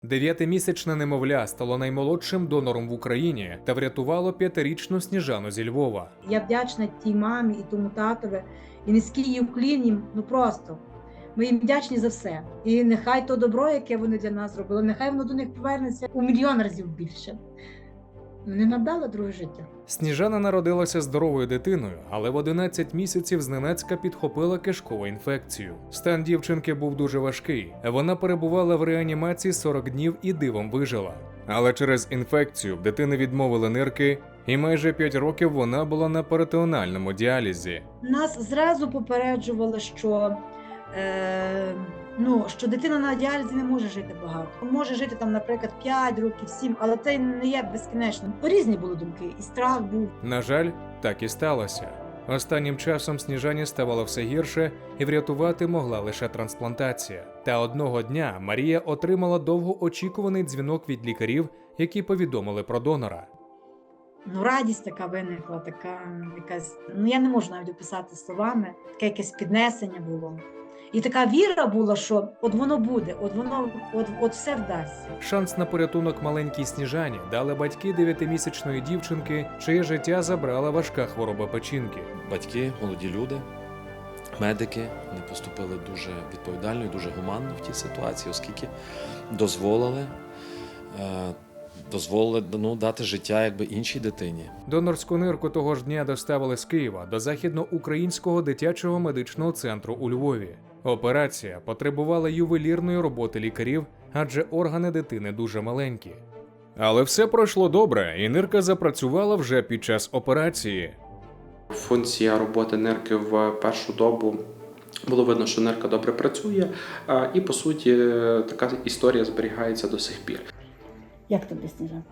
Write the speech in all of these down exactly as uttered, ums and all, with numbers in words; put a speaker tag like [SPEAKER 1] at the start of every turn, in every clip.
[SPEAKER 1] Дев'ятимісячне немовля стало наймолодшим донором в Україні та врятувало п'ятирічну Сніжану зі Львова.
[SPEAKER 2] Я вдячна тій мамі і тому татові, і низький їм уклін їм, ну просто. Ми їм вдячні за все. І нехай то добро, яке вони для нас зробили, нехай воно до них повернеться у мільйон разів більше. Вони нам дали друге життя.
[SPEAKER 1] Сніжана народилася здоровою дитиною, але в одинадцять місяців зненацька підхопила кишкову інфекцію. Стан дівчинки був дуже важкий. Вона перебувала в реанімації сорок днів і дивом вижила. Але через інфекцію в дитини відмовили нирки, і майже п'ять років вона була на перитонеальному діалізі.
[SPEAKER 2] Нас зразу попереджували, що, е, ну, що дитина на діалізі не може жити багато. Може жити, там, наприклад, п'ять років, сім, але це не є безкінечно. Різні були думки, і страх був.
[SPEAKER 1] На жаль, так і сталося. Останнім часом Сніжані ставало все гірше, і врятувати могла лише трансплантація. Та одного дня Марія отримала довгоочікуваний дзвінок від лікарів, які повідомили про донора.
[SPEAKER 2] Ну, радість така виникла, така якась, ну я не можу навіть описати словами, таке якесь піднесення було. І така віра була, що от воно буде, от воно, от, от все вдасться.
[SPEAKER 1] Шанс на порятунок маленькій Сніжані дали батьки дев'ятимісячної дівчинки, чиє життя забрала важка хвороба печінки.
[SPEAKER 3] Батьки, молоді люди, медики, вони поступили дуже відповідально і дуже гуманно в тій ситуації, оскільки дозволили, е, дозволили ну, дати життя якби іншій дитині.
[SPEAKER 1] Донорську нирку того ж дня доставили з Києва до Західноукраїнського дитячого медичного центру у Львові. Операція потребувала ювелірної роботи лікарів, адже органи дитини дуже маленькі. Але все пройшло добре, і нирка запрацювала вже під час операції.
[SPEAKER 4] Функція роботи нирки в першу добу було видно, що нирка добре працює, і по суті така історія зберігається до сих пір.
[SPEAKER 2] Як тобі, Сніжана?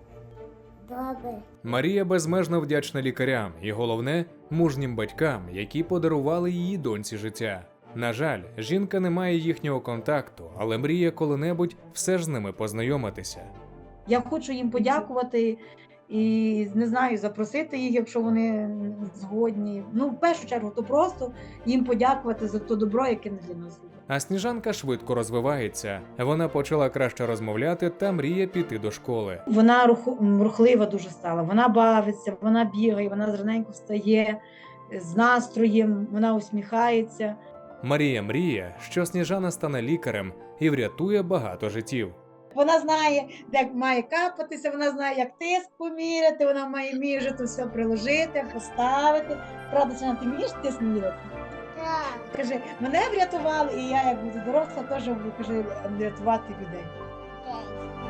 [SPEAKER 5] Добре.
[SPEAKER 1] Марія безмежно вдячна лікарям і, головне, мужнім батькам, які подарували її доньці життя. На жаль, жінка не має їхнього контакту, але мріє коли-небудь все ж з ними познайомитися.
[SPEAKER 2] Я хочу їм подякувати і, не знаю, запросити їх, якщо вони згодні. Ну, в першу чергу, то просто їм подякувати за те добро, яке вони для нас зробили.
[SPEAKER 1] А Сніжанка швидко розвивається. Вона почала краще розмовляти та мріє піти до школи.
[SPEAKER 2] Вона рух- рухлива дуже стала, вона бавиться, вона бігає, вона зраненько встає з настроєм, вона усміхається.
[SPEAKER 1] Марія мріє, що Сніжана стане лікарем і врятує багато життів.
[SPEAKER 2] Вона знає, де має капатися, вона знає, як тиск поміряти, вона має вміє вже то все приложити, поставити. Правда, Сніжана, ти вмієш тиск міряти?
[SPEAKER 5] Так.
[SPEAKER 2] Каже, мене врятували, і я, як буду доросла, теж буду, каже, рятувати людей.
[SPEAKER 5] Окей.